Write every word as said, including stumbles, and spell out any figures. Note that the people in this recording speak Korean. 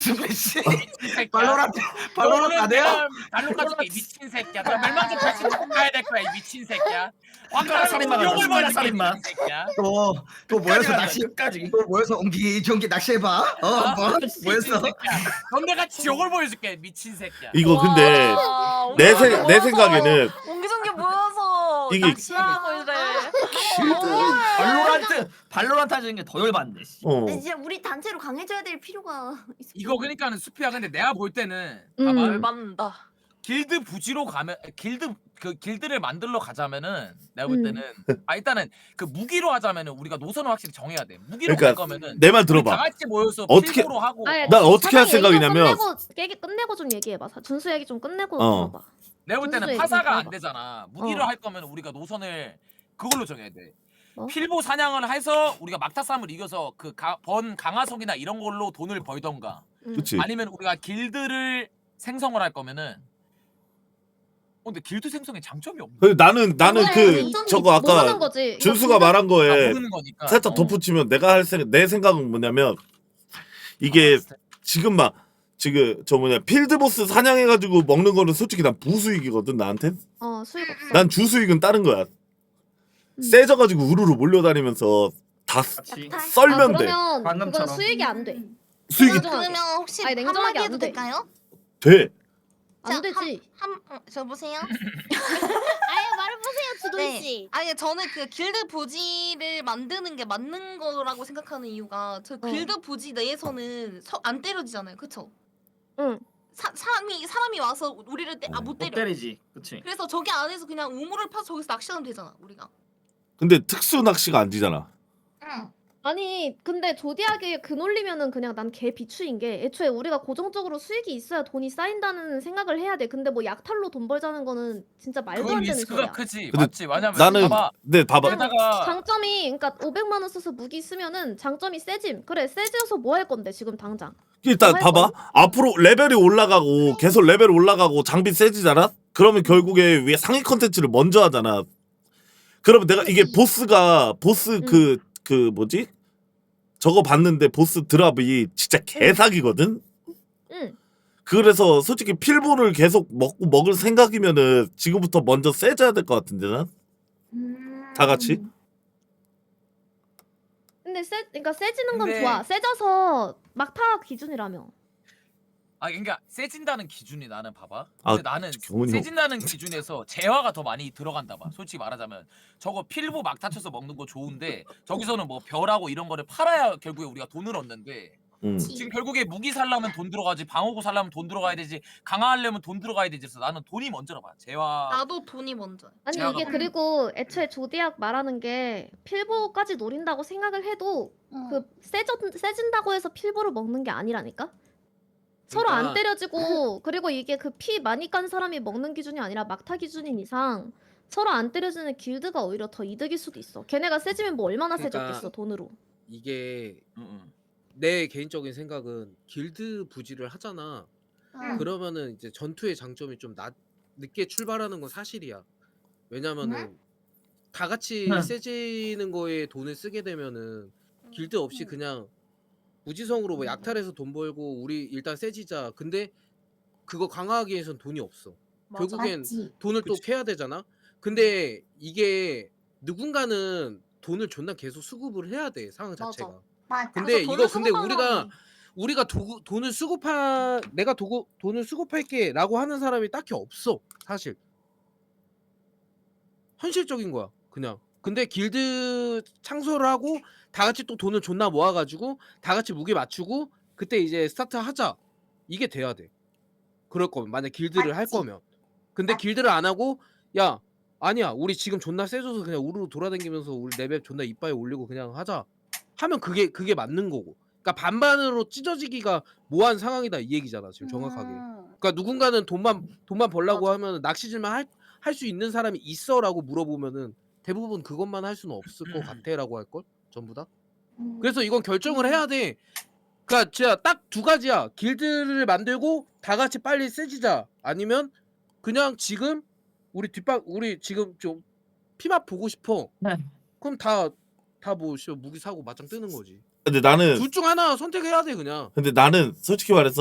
스매시 새끼야. 발로란트 발로란트 안 해요? 발로 까줄게 이 미친 새끼야. 너 멸망전 다시 가야 될 거야 이 미친 새끼야. 손가락 살인마 가자, 욕을 손가락 먹을게, 살인마. 이 미친 새끼야. 또 또 모여서 낚시 끝까지. 또 모여서 옹기 종기 낚시해봐. 어 뭐 미친 모여서 새끼야. 넌 내가 지옥을 보여줄게 미친 새끼야. 이거 근데 와, 내, 옹기종기 생, 내 모여서, 생각에는 옹기종기 모여서 이게- 낚시하고 이래. 발로란트 발로란트 하는 게 더 열받네. 씨. 어 근데 진짜 우리 단체로 강해져야 될 필요가 있어. 이거 그러니까는 수피야. 근데 내가 볼 때는 음. 봐봐. 열받는다. 길드 부지로 가면 길드 그 길드를 만들러 가자면은 내가 볼 음. 때는 아 일단은 그 무기로 하자면은 우리가 노선을 확실히 정해야 돼. 무기로 그러니까 갈 거면은 내 말 우리 다 들어봐. 같이 모여서 어떻게- 필고로 하고 아니, 난 어떻게 할 사장 얘기 좀 생각이냐면- 끝내고, 얘기 끝내고 좀 얘기해봐. 사- 준수 얘기 좀 끝내고 어. 들어봐. 내가 볼 때는 준수 얘기 파사가 좀 안 들어봐. 되잖아. 무기로 어. 할 거면 우리가 노선을 그걸로 정해야 돼. 뭐? 필보 사냥을 해서 우리가 막타 싸움을 이겨서 그 번 강화석이나 이런 걸로 돈을 벌던가 음. 그치 아니면 우리가 길드를 생성을 할 거면은 어, 근데 길드 생성에 장점이 없네. 그 나는 나는 그래, 그 장점이 저거 모르는 아까 거지. 이거 준수가 근데- 말한 아, 거에 모르는 거니까. 살짝 어. 덧붙이면 내가 할 생각 내 생각은 뭐냐면 이게 지금 막 지금 저 뭐냐 필드보스 사냥해가지고 먹는 거는 솔직히 난 부수익이거든 나한텐. 어 수익 없어. 난 주수익은 다른 거야. 음. 세져가지고 우르르 몰려다니면서 다 쓰- 같이. 아, 썰면 돼. 그러면 방금처럼. 그건 수익이 안 돼. 수익이 냉정하게. 그러면 혹시 아니, 냉정하게 한마디 안 해도 돼. 될까요? 돼. 안 자, 되지. 한, 어, 저 보세요. 아예 말해보세요, 주도희 네. 씨. 아니 저는 그 길드 부지를 만드는 게 맞는 거라고 생각하는 이유가 저 길드 부지 내에서는 서, 안 때려지잖아요, 그쵸? 응. 사, 사람이 사람이 와서 우리를 때, 아, 못 못 때려. 때리지. 그치. 그래서 저기 안에서 그냥 우물을 파서 저기서 낚시하면 되잖아, 우리가. 근데 특수 낚시가 안 되잖아. 응. 아니 근데 조디하게 그 논리면은 그냥 난 개 비추인 게 애초에 우리가 고정적으로 수익이 있어야 돈이 쌓인다는 생각을 해야 돼. 근데 뭐 약탈로 돈 벌자는 거는 진짜 말도 그건 안 되는 리스크가 소리야. 크지. 근데 맞지. 왜냐면 나는 봐봐. 네 봐봐. 게다가 장점이 그러니까 오백만 원 써서 무기 쓰면은 장점이 세짐. 그래 세져서 뭐 할 건데 지금 당장. 일단 뭐 할 봐봐. 앞으로 레벨이 올라가고 계속 레벨 올라가고 장비 세지잖아. 그러면 결국에 위에 상위 컨텐츠를 먼저 하잖아. 그러면 내가 이게 보스가 보스 그 그 뭐지? 저거 봤는데 보스 드랍이 진짜 개사기거든. 응. 그래서 솔직히 필보를 계속 먹고 먹을 생각이면은 지금부터 먼저 세져야 될 것 같은데 난. 다 같이. 근데 세 그러니까 세지는 건 근데- 좋아. 세져서 막타 기준이라며. 아 그러니까 세진다는 기준이 나는 봐봐. 아, 근데 나는 경훈이 형. 세진다는 기준에서 재화가 더 많이 들어간다 봐. 솔직히 말하자면 저거 필보 막 타쳐서 먹는 거 좋은데 저기서는 뭐 별하고 이런 거를 팔아야 결국에 우리가 돈을 얻는데 음. 지금 결국에 무기 살려면 돈 들어가지 방어구 살려면 돈 들어가야 되지 강화하려면 돈 들어가야 되지. 그래서 나는 돈이 먼저라 봐. 재화. 나도 돈이 먼저. 아니 제가 이게 봐봐. 그리고 애초에 조디악 말하는 게 필보까지 노린다고 생각을 해도 그 세져 세진다고 해서 필보를 먹는 게 아니라니까. 서로 안 그러니까- 때려지고 그리고 이게 그 피 많이 깐 사람이 먹는 기준이 아니라 막타 기준인 이상 서로 안 때려지는 길드가 오히려 더 이득일 수도 있어. 걔네가 세지면 뭐 얼마나 그러니까- 세졌겠어 돈으로. 이게 응, 응. 내 개인적인 생각은 길드 부지를 하잖아. 응. 그러면은 이제 전투의 장점이 좀 낮, 늦게 출발하는 건 사실이야. 왜냐면은 다 같이 응. 세지는 거에 돈을 쓰게 되면은 길드 없이 그냥 무지성으로 뭐 약탈해서 돈 벌고 우리 일단 세지자. 근데 그거 강화하기 위해선 돈이 없어. 맞아. 결국엔 돈을 또 캐야 되잖아. 근데 이게 누군가는 돈을 존나 계속 수급을 해야 돼 상황 맞아. 자체가. 맞아. 근데 그래서 돈을 이거 근데 수급하는 우리가 사람이. 우리가 도, 돈을 수급하 내가 도구, 돈을 수급할게라고 하는 사람이 딱히 없어 사실. 현실적인 거야 그냥. 근데 길드 창설을 하고 다 같이 또 돈을 존나 모아가지고 다 같이 무게 맞추고 그때 이제 스타트 하자 이게 돼야 돼. 그럴 거면 만약 길드를 할 맞지. 거면. 근데 길드를 안 하고 야 아니야 우리 지금 존나 세져서 그냥 우르르 돌아다니면서 우리 레벨 존나 이빠이 올리고 그냥 하자 하면 그게 그게 맞는 거고. 그러니까 반반으로 찢어지기가 모호한 상황이다 이 얘기잖아 지금 정확하게. 음. 그러니까 누군가는 돈만 돈만 벌라고 맞아. 하면 낚시질만 할 할 수 있는 사람이 있어라고 물어보면은 대부분 그것만 할 수는 없을 것 같아라고 할 걸 전부 다. 음. 그래서 이건 결정을 해야 돼. 그러니까 진짜 딱 두 가지야. 길드를 만들고 다 같이 빨리 세지자. 아니면 그냥 지금 우리 뒷방 우리 지금 좀 피맛 보고 싶어. 네. 그럼 다 다 뭐 무기 사고 맞짱 뜨는 거지. 근데 나는 둘 중 하나 선택해야 돼 그냥. 근데 나는 솔직히 말해서